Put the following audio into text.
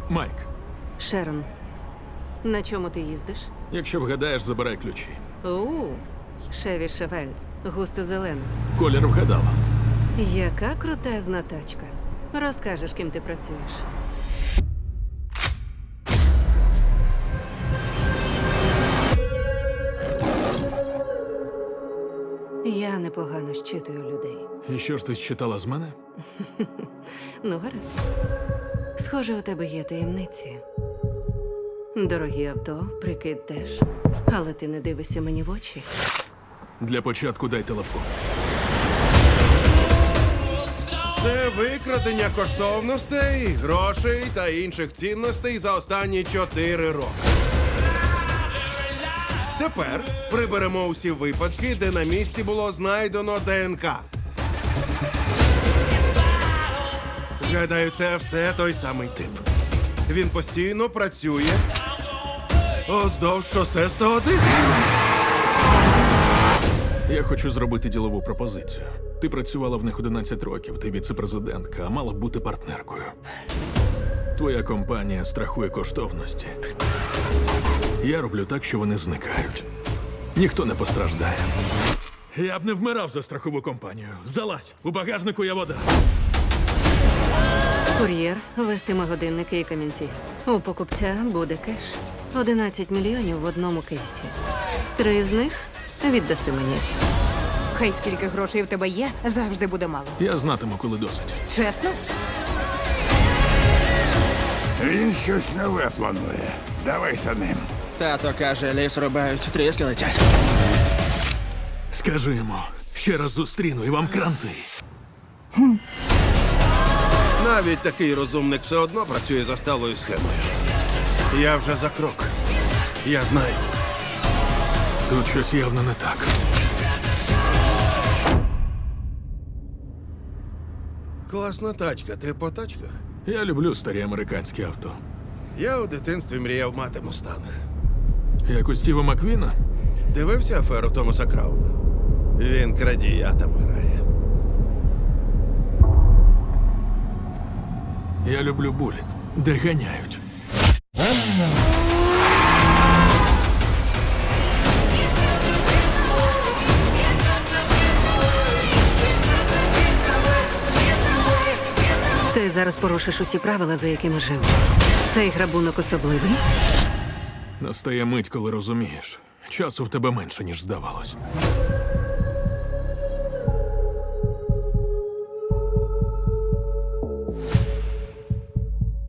Майк, Шерон, на чому ти їздиш? якщо вгадаєш, забирай ключі. Шеві Шевель, густо зелена. Колір вгадала. Яка крутезна тачка. Розкажеш, ким ти працюєш. Я непогано щитую людей. І що ж ти читала з мене? Ну, гаразд. Схоже, у тебе є таємниці. Дорогі авто, прикид теж. Але ти не дивишся мені в очі. Для початку дай телефон. Це викрадення коштовностей, грошей та інших цінностей за останні 4 роки. Тепер приберемо усі випадки, де на місці було знайдено ДНК. Гадаю, це все той самий тип. Він постійно працює уздовж шосе 101. Я хочу зробити ділову пропозицію. Ти працювала в них 11 років, ти віце-президентка, а мала б бути партнеркою. Твоя компанія страхує коштовності. Я роблю так, що вони зникають. Ніхто не постраждає. Я б не вмирав за страхову компанію. Залазь, у багажнику є вода. Кур'єр вестиме годинники і камінці. У покупця буде кеш. 11 мільйонів в одному кейсі. 3 з них віддаси мені. Хай скільки грошей в тебе є, завжди буде мало. Я знатиму, коли досить. Чесно? Він щось нове планує. Давай за ним. Тато каже, ліс рубають, тріски летять. Скажи йому, ще раз зустріну і вам кранти. Навіть такий розумник все одно працює за сталою схемою. Я вже за крок. Я знаю. Тут щось явно не так. Класна тачка. Ти по тачках? Я люблю старі американські авто. Я у дитинстві мріяв мати мустанг. Як у Стіва Маквіна? Дивився аферу Томаса Крауна? Він крадія там грає. Я люблю буліт, де ганяють. Ти зараз порушиш усі правила, за якими жив. Цей грабунок особливий. Настає мить, коли розумієш. Часу в тебе менше, ніж здавалось.